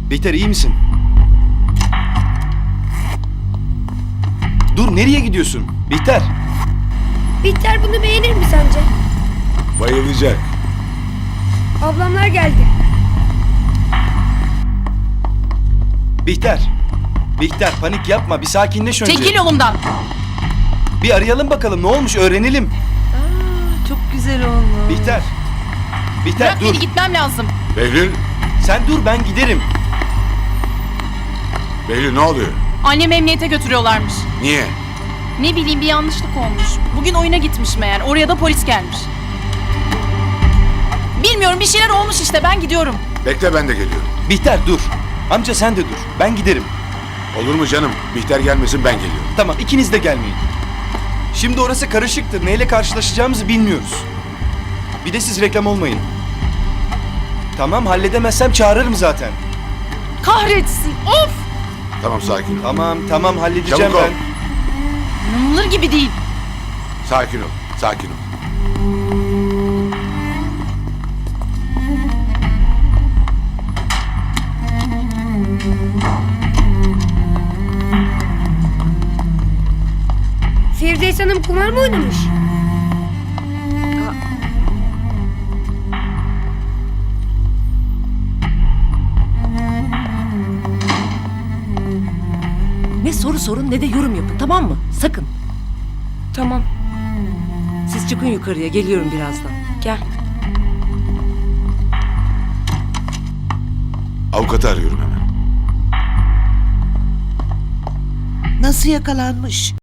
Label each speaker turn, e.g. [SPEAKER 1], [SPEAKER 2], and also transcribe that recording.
[SPEAKER 1] Bihter iyi misin? Dur nereye gidiyorsun? Bihter.
[SPEAKER 2] Bihter bunu beğenir mi sence?
[SPEAKER 3] Bayılacak.
[SPEAKER 2] Ablamlar geldi.
[SPEAKER 1] Bihter. Bihter panik yapma bir sakinleş önce.
[SPEAKER 4] Çekil yolumdan.
[SPEAKER 1] Bir arayalım bakalım ne olmuş öğrenelim.
[SPEAKER 4] Çok güzel olmuş.
[SPEAKER 1] Bihter. Bihter
[SPEAKER 4] Bırak
[SPEAKER 1] dur.
[SPEAKER 4] beni, gitmem lazım.
[SPEAKER 3] Behlül,
[SPEAKER 1] Sen dur ben giderim.
[SPEAKER 3] Behlül ne oluyor?
[SPEAKER 4] Annemi emniyete götürüyorlarmış.
[SPEAKER 3] Niye?
[SPEAKER 4] Ne bileyim bir yanlışlık olmuş. Bugün oyuna gitmiş meğer. Oraya da polis gelmiş. Bilmiyorum bir şeyler olmuş işte ben gidiyorum.
[SPEAKER 3] Bekle ben de geliyorum.
[SPEAKER 1] Bihter dur. Amca sen de dur. Ben giderim.
[SPEAKER 3] Olur mu canım? Bihter gelmesin ben geliyorum.
[SPEAKER 1] Tamam ikiniz de gelmeyin. Şimdi orası karışıktır. Neyle karşılaşacağımızı bilmiyoruz. Bir de siz reklam olmayın. Tamam halledemezsem çağırırım zaten.
[SPEAKER 4] Kahretsin of.
[SPEAKER 3] Tamam sakin ol.
[SPEAKER 1] Tamam halledeceğim
[SPEAKER 3] Çabuk ol.
[SPEAKER 1] ben.
[SPEAKER 4] İnanılır gibi değil.
[SPEAKER 3] Sakin ol. Sakin ol.
[SPEAKER 2] Firdevs Hanım kumar mı oynamış?
[SPEAKER 5] Ne soru sorun ne de yorum yapın, tamam mı? Sakın.
[SPEAKER 2] Tamam.
[SPEAKER 5] Siz çıkın yukarıya, geliyorum birazdan.
[SPEAKER 2] Gel.
[SPEAKER 3] Avukatı arıyorum hemen.
[SPEAKER 6] Nasıl yakalanmış?